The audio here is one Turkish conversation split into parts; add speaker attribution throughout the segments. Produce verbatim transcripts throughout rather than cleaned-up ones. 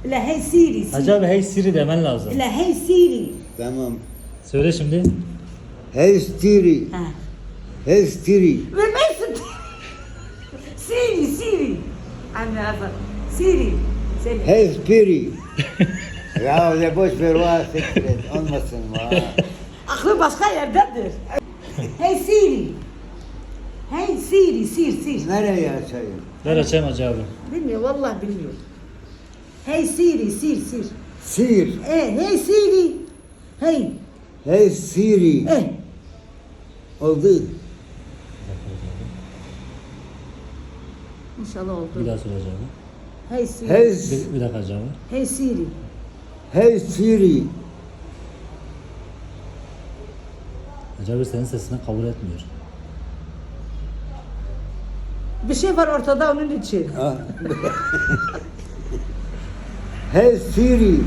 Speaker 1: La hey Siri. Siri.
Speaker 2: Hacı abi hey Siri demen lazım.
Speaker 1: La hey Siri.
Speaker 3: Tamam.
Speaker 2: Söyle şimdi.
Speaker 3: Hey Siri.
Speaker 1: Ha.
Speaker 3: Hey Siri.
Speaker 1: Vermezsin. Siri, Siri. Anne abla. Siri. Söyle.
Speaker 3: Hey Siri. Ya öyle boş ver var sekret. Olmasın var.
Speaker 1: Aklı başka yerdedir. Hey Siri. Hey Siri, Sir, Sir.
Speaker 3: Nereye açayım?
Speaker 2: Ver açayım Hacı abi.
Speaker 1: Bilmiyor, vallahi bilmiyor. Hey Siri, Sir, Sir.
Speaker 3: Sir.
Speaker 1: Eh, hey Siri. Hey.
Speaker 3: Hey Siri.
Speaker 1: Eh.
Speaker 3: Oldu.
Speaker 1: İnşallah oldu.
Speaker 2: Bir daha söyle Hacı abi.
Speaker 1: Hey Siri.
Speaker 3: Hey,
Speaker 2: Bir, bir dakika Hacı abi.
Speaker 1: Hey Siri.
Speaker 3: hey Siri.
Speaker 2: Hacı abi senin sesini kabul etmiyor.
Speaker 1: Bir şey var ortada onun için.
Speaker 3: Ah. Hey Siri.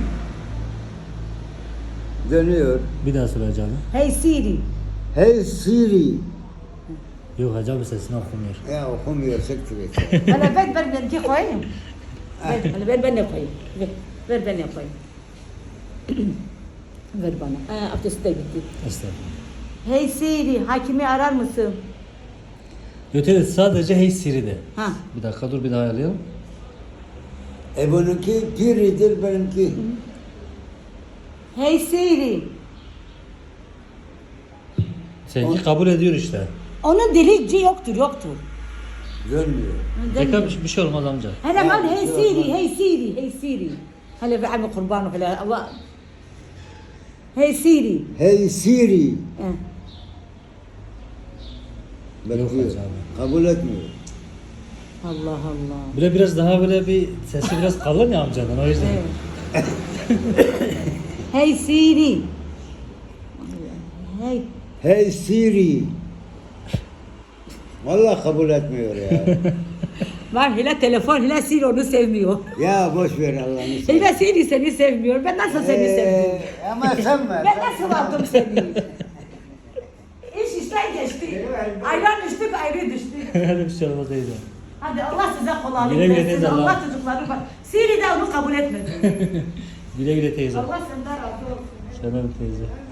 Speaker 3: Dönüyor.
Speaker 2: Bir daha söyle Hacı abi.
Speaker 1: Hey Siri.
Speaker 3: Hey Siri.
Speaker 2: Yok Hacı abi sesini okumuyor.
Speaker 3: Ya okumuyor sekret.
Speaker 1: Bana ver, ver benimki koyayım. Ver, bana, ver ben yapayım. Ver, ver ben yapayım. Ver bana. Ha, abdesti de gitti.
Speaker 2: Estağfurullah.
Speaker 1: Hey Siri, hakimi arar mısın?
Speaker 2: Yok evet sadece hey Siri de.
Speaker 1: Ha.
Speaker 2: Bir dakika dur bir daha ayarlayalım.
Speaker 3: E bununki piridir benimki.
Speaker 1: Hey Siri.
Speaker 2: Seninki kabul ediyor işte.
Speaker 1: Onun dilici yoktur, yoktur.
Speaker 3: Dönmüyor.
Speaker 2: Tekrar bir, bir şey olmaz amca.
Speaker 1: هلا
Speaker 3: Ya,
Speaker 1: قال هي
Speaker 3: yok,
Speaker 1: سيري
Speaker 3: yok.
Speaker 1: هي سيري هي سيري هلا بعمل قربان وهلا الله هي سيري
Speaker 3: Hey Siri.
Speaker 1: اه.
Speaker 3: Bakıyor.
Speaker 2: Hacı abi.
Speaker 3: Kabul etmiyor.
Speaker 1: الله الله
Speaker 2: Böyle biraz daha böyle bir sesi biraz kalın ya amcanın o yüzden.
Speaker 1: إيه. هي سيري هي
Speaker 3: Hey Siri. Vallahi kabul etmiyor ya.
Speaker 1: var Hila telefon Hila Siri onu sevmiyor.
Speaker 3: Ya boş ver Allah'ını seversen.
Speaker 1: Hila Siri seni sevmiyor. Ben nasıl seni sevdim?
Speaker 3: Ee, ama sen mi?
Speaker 1: Ben nasıl aldım seni? İş işten geçti. Ayran düştük ayrı düştük.
Speaker 2: Öyle bir şey olmaz teyze.
Speaker 1: Hadi Allah size kolaylık
Speaker 2: Güle güle
Speaker 1: versin.
Speaker 2: teyze,
Speaker 1: Allah
Speaker 2: Allah.
Speaker 1: çocukları bak. Siri de onu kabul etmedi.
Speaker 2: Güle güle teyze.
Speaker 1: Allah senden razı olsun.
Speaker 2: Şöyle bir teyze.